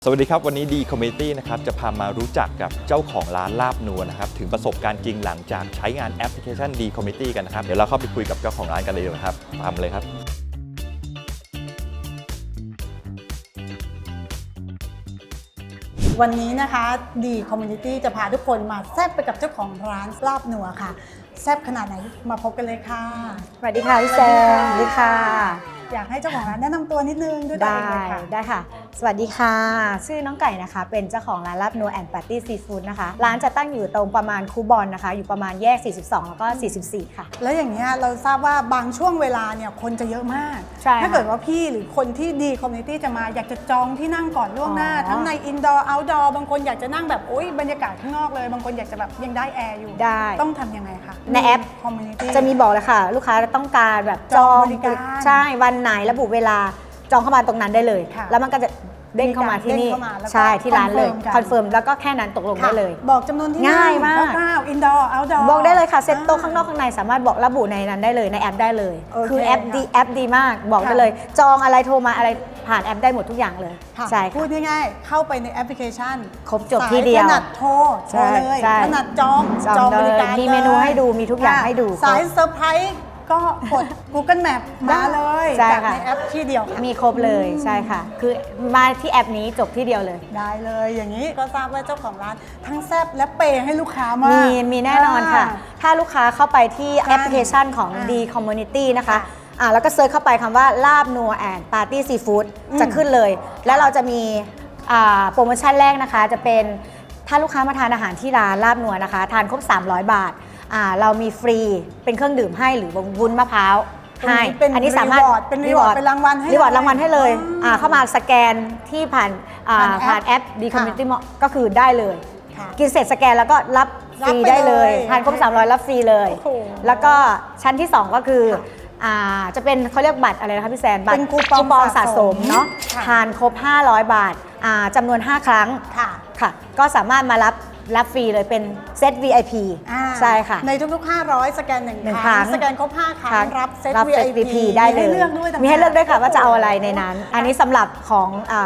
สวัสดีครับวันนี้ดีคอมมิตี้นะครับจะพามารู้จักกับเจ้าของร้านลาบนัวนะครับถึงประสบการณ์จริงหลังจากใช้งานแอปพลิเคชันดีคอมมิตี้กันนะครับเดี๋ยวเราเข้าไปคุยกับเจ้าของร้านกันเลยนะครับตามเลยครับวันนี้นะคะดีคอมมูนิตี้จะพาทุกคนมาแซ่บไปกับเจ้าของร้านลาบนัวค่ะแซ่บขนาดไหนมาพบกันเลยค่ะสวัสดีค่ะพี่แซมสวัสดีค่ะอยากให้เจ้าของร้านแนะนำตัวนิดนึงด้วยตัวเองเลยค่ะได้ค่ะสวัสดีค่ะชื่อน้องไก่นะคะเป็นเจ้าของร้านลาบนัวแอนด์ปาร์ตี้ซีฟู้ดนะคะร้านจะตั้งอยู่ตรงประมาณคูบอลนะคะอยู่ประมาณแยก42แล้วก็44ค่ะแล้วอย่างนี้เราทราบว่าบางช่วงเวลาเนี่ยคนจะเยอะมากใช่ถ้าเกิดว่าพี่หรือคนที่ดีคอมมูนิตี้จะมาอยากจะจองที่นั่งก่อนล่วงหน้าทั้งในอินดอร์เอาท์ดอร์บางคนอยากจะนั่งแบบโอ๊ยบรรยากาศข้างนอกเลยบางคนอยากจะแบบยังได้แอร์อยู่ได้ต้องทำยังไงคะในแอปคอมมูนิตี้จะมีบอกเลยค่ะลูกค้าต้องการแบบจองบริการใช่วันไหนระบุเวลาจองเข้ามาตรงนั้นได้เลยแล้วมันก็จะเด้งเข้ามาที่นี่ใช่ที่ร้านเลยคอนเฟิร์มแล้วก็แค่นั้นตกลงได้เลยบอกจำนวนที่ง่ายมากอินดอร์เอาท์ดอร์บอกได้เลยค่ะเซ็ตโต๊ะข้างนอกข้างในสามารถบอกระบุในนั้นได้เลยในแอปได้เลยคือแอปดีมากบอกได้เลยจองอะไรโทรมาอะไรผ่านแอปได้หมดทุกอย่างเลยใช่พูดง่ายๆเข้าไปในแอปพลิเคชันครบจบที่เดียวถนัดโทรเลยถนัดจองบริการมีเมนูให้ดูมีทุกอย่างให้ดูสายเซอร์ไพรส์ก็กด Google Map มาเลยจากในแอปที่เดียวมีครบเลยใช่ค่ะคือมาที่แอปนี้จบที่เดียวเลยได้เลยอย่างนี้ก็ทราบว่าเจ้าของร้านทั้งแซ่บและเปย์ให้ลูกค้ามากมีแน่นอนค่ะถ้าลูกค้าเข้าไปที่แอปพลิเคชันของ D Community นะคะแล้วก็เซิร์ชเข้าไปคำว่าลาบนัวแอนด์ปาร์ตี้ซีฟู้ดจะขึ้นเลยแล้วเราจะมีโปรโมชั่นแรกนะคะจะเป็นถ้าลูกค้ามาทานอาหารที่ร้านลาบนัวนะคะทานครบ300 บาทเรามีฟรีเป็นเครื่องดื่มให้หรือวุ้นมะพร้าวให้อันนี้สามารถเป็นรีวอร์ดเป็นรางวัลให้รีวอร์ดรางวัลให้เลยเข้ามาสแกนที่ผ่านแอป D Community ก็คือได้เลยกินเสร็จสแกนแล้วก็รับฟรีได้เลยทานครบ300รับฟรีเลยแล้วก็ชั้นที่2ก็คือจะเป็นเขาเรียกบัตรอะไรนะคะพี่แซนบัตรคูปองสะสมเนาะทานครบ500 บาทจำนวน5ครั้งค่ะก็สามารถมารับฟรีเลยเป็นเซต VIP ใช่ค่ะในทุกๆ500สแกน1ครั้งสแกนครบ5ครั้งรับเซต VIP ได้เลยมีให้เลือกด้วยค่ะว่าจะเอาอะไรในนั้นอันนี้สำหรับของ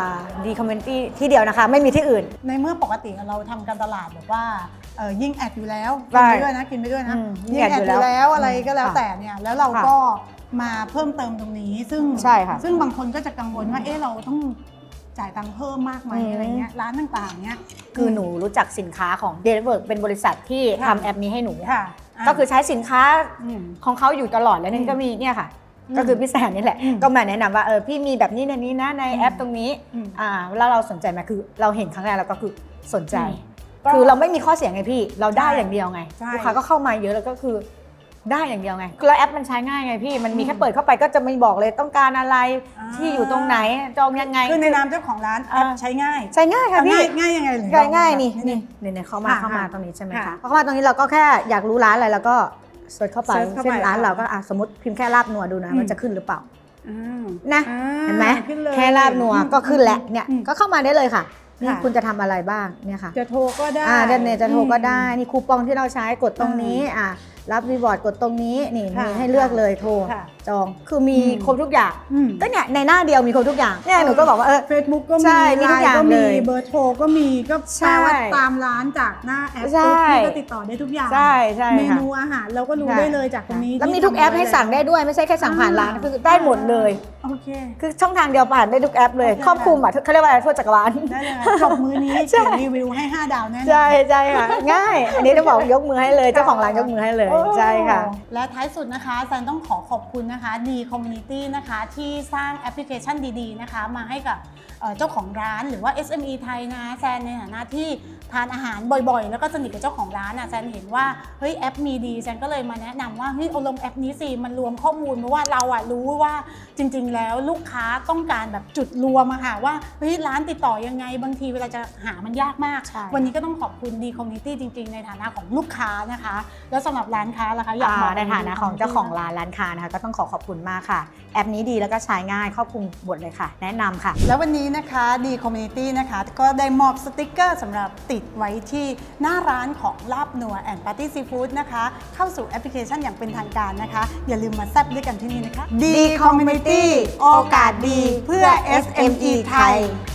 D Community ที่เดียวนะคะไม่มีที่อื่นในเมื่อปกติเราทำการตลาดแบบว่ายิ่งแอดอยู่แล้วกินไปด้วยนะยิ่งแอดอยู่แล้วอะไรก็แล้วแต่เนี่ยแล้วเราก็มาเพิ่มเติมตรงนี้ซึ่งบางคนก็จะกังวลว่าเราต้องจ่ายตังค์เพิ่มมากไหมอะไรเงี้ยร้านต่างๆเนี้ยคือหนูรู้จักสินค้าของ Deliverk เป็นบริษัทที่ทำแอปนี้ให้หนูก็คือใช้สินค้าของเขาอยู่ตลอดแล้วนี่ก็มีเนี่ยค่ะก็คือพี่แซนนี่แหละก็มาแนะนำว่าพี่มีแบบนี้นะในแอปตรงนี้แล้วเราสนใจไหมคือเราเห็นครั้งแรกเราก็คือสนใจคือเราไม่มีข้อเสียไงพี่เราได้อย่างเดียวไงลูกค้าก็เข้ามาเยอะแล้วก็คือได้อย่างเดียวไงแล้วแอปมันใช้ง่ายไงพี่มันมีแค่เปิดเข้าไปก็จะไม่บอกเลยต้องการอะไรที่อยู่ตรงไหนจองยังไงคือในนามเจ้าของร้านแอปใช้ง่ายค่ะพี่ง่ายยังไงเลยง่ายนี่เข้ามาตรงนี้ใช่ไหมคะเข้ามาตรงนี้เราก็แค่อยากรู้ร้านอะไรแล้วก็เสิร์ชเข้าไปเช่นร้านเราก็สมมติพิมพ์แค่ลาบนัวดูนะมันจะขึ้นหรือเปล่านะเห็นไหมแค่ลาบนัวก็ขึ้นแล้วเนี่ยก็เข้ามาได้เลยค่ะนี่คุณจะทำอะไรบ้างเนี่ยค่ะจะโทรก็ได้เนี่ยจะโทรก็ได้นี่คูปองที่เราใช้กดตรงนี้รับรีวอร์ดกดตรงนี้นี่มีให้เลือกเลยโทรจองคือมีครบทุกอย่างก็เนี่ยในหน้าเดียวมีครบทุกอย่างเนี่ยหนูก็บอกว่า Facebook ก็มีมีทุกอย่างเลยเบอร์โทรก็มีก็แปลว่าตามร้านจากหน้าแอปพี่ก็ติดต่อได้ทุกอย่างเมนูอาหารเราก็รู้ได้เลยจากตรงนี้แล้วมีทุกแอปให้สั่งได้ด้วยไม่ใช่แค่สั่งผ่านร้านคือได้หมดเลยโอเคคือช่องทางเดียวผ่านได้ทุกแอปเลยครอบคลุมเขาเรียกว่าอะไรทั่วจักรวาลได้เลยจบมื้อนี้เขียนรีวิวให้5ดาวแน่ใช่ค่ะง่ายอันนี้ต้องบอกยกมือให้เลยเจ้าของร้านยกมือให้เลยใช่ค่ะและท้ายสุดนะคะแซนต้องขอบคุณนะคะดีคอมมูนิตี้นะคะที่สร้างแอปพลิเคชันดีๆนะคะมาให้กับเจ้าของร้านหรือว่า SME ไทยนะแซนในฐานะที่ทานอาหารบ่อยๆแล้วก็สนิทกับเจ้าของร้านแซนเห็นว่าเฮ้ยแอปมีดีแซนก็เลยมาแนะนำว่าเฮ้ยเอาลงแอปนี้สิมันรวมข้อมูลเพราะว่าเรารู้ว่าจริงๆแล้วลูกค้าต้องการแบบจุดรวมอะค่ะว่าเฮ้ยร้านติดต่อยังไงบางทีเวลาจะหามันยากมากวันนี้ก็ต้องขอบคุณดีคอมมูนิตี้จริงๆในฐานะของลูกค้านะคะแล้วสำหรับร้านค้าล่ะคะอยากบอกในฐานะของเจ้าของร้านค้านะคะก็ต้องขอบคุณมากค่ะแอปนี้ดีแล้วก็ใช้ง่ายครอบคลุมหมดเลยค่ะแนะนำค่ะแล้ววันนี้นะคะดีคอมมูนิตี้นะคะก็ได้มอบสติกเกอร์สำหรับติดไว้ที่หน้าร้านของลาบนัวแอนด์ปาร์ตี้ซีฟู้ดนะคะเข้าสู่แอปพลิเคชันอย่างเป็นทางการนะคะอย่าลืมมาแซ่บด้วยกันที่นี่นะคะดีคอมมูนิตี้โอกาสดีเพื่อ SME ไทย